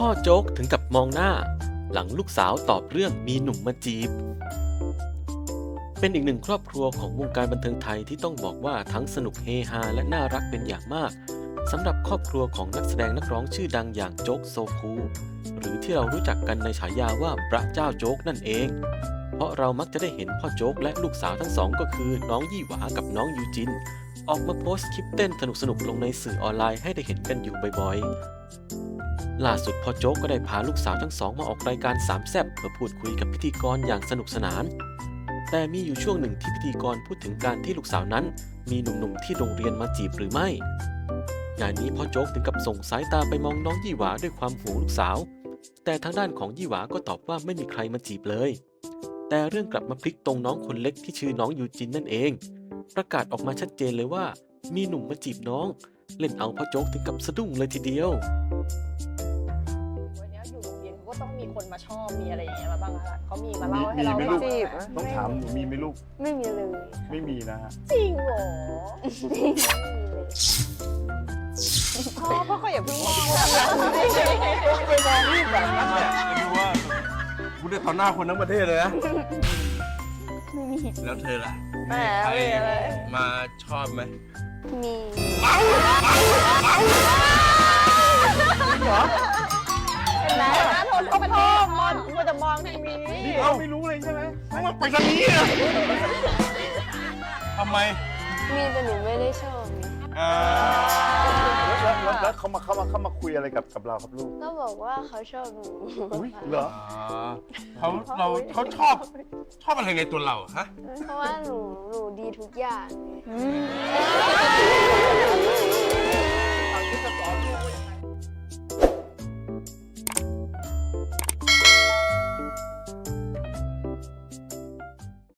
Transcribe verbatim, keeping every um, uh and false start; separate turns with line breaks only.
พ่อโจ๊กถึงกับมองหน้าหลังลูกสาวตอบเรื่องมีหนุ่มมาจีบเป็นอีกหนึ่งครอบครัวของวงการบันเทิงไทยที่ต้องบอกว่าทั้งสนุกเฮฮาและน่ารักเป็นอย่างมากสำหรับครอบครัวของนักแสดงนักร้องชื่อดังอย่างโจ๊กโซคูหรือที่เรารู้จักกันในฉายาว่าพระเจ้าโจ๊กนั่นเองเพราะเรามักจะได้เห็นพ่อโจ๊กและลูกสาวทั้งสองก็คือน้องยี่หวากับน้องยูจินออกมาโพสต์คลิปเต้นสนุกๆลงในสื่อออนไลน์ให้ได้เห็นกันอยู่บ่อยๆล่าสุดพ่อโจ๊กก็ได้พาลูกสาวทั้งสองมาออกรายการสามแซ่บเพื่อพูดคุยกับพิธีกรอย่างสนุกสนานแต่มีอยู่ช่วงหนึ่งที่พิธีกรพูดถึงการที่ลูกสาวนั้นมีหนุ่มๆที่โรงเรียนมาจีบหรือไม่งานนี้พ่อโจ๊กถึงกับส่งสายตาไปมองน้องยี่หวาด้วยความห่วงลูกสาวแต่ทางด้านของยี่หวาก็ตอบว่าไม่มีใครมาจีบเลยแต่เรื่องกลับมาพลิกตรงน้องคนเล็กที่ชื่อน้องยูจินนั่นเองประกาศออกมาชัดเจนเลยว่ามีหนุ่มมาจีบน้องเล่นเอาพ่อโจ๊กถึงกับสะดุ้งเลยทีเดียว
วันนี้อยู่โรงเรียนเขาก็ต้องมีคนมาชอบมีอะไรอย่างเงี้ยมาบ้างละเขามีมาเล่าให้เรา
มีไหมลูก
จีบ
ต้องถามหนูมีไหมลูก
ไม่มีเลย
ไม่มีนะฮะ
จริงเหรอ
ไม่มีเลย
พ่อพ่อก็อย่าเพิ่งมองนะ
ไปมองรูปแบบนั้นเนี่ยจะดูว่าคุณได้ต่อหน้าคนทั้งประเทศเลยนะ
ไม่มี
แล้วเธอล่ะ
แหม
ใคร
ไม่อะไร
มาชอบไหม
มี
เป็นไรนะโทษเขาเป็นพ่อมอนมันจะมองทางนี้
นี่เราไม่รู้เลยใช่ไหมมันไปทางนี้อะทำไม
มีแต่หนูไม่ได้ชอบไง
อ่าแล้วแล้วแล้วเขามาเขามาเขามาคุยอะไรกับกับเราครับลูก
ก็บอกว่าเขาชอบหนู
อุ้ยเหรอ
เขาเราเขาชอบชอบอะไรในตัวเราฮะ
เพราะว่าหนูหนูดีทุกอย่างไง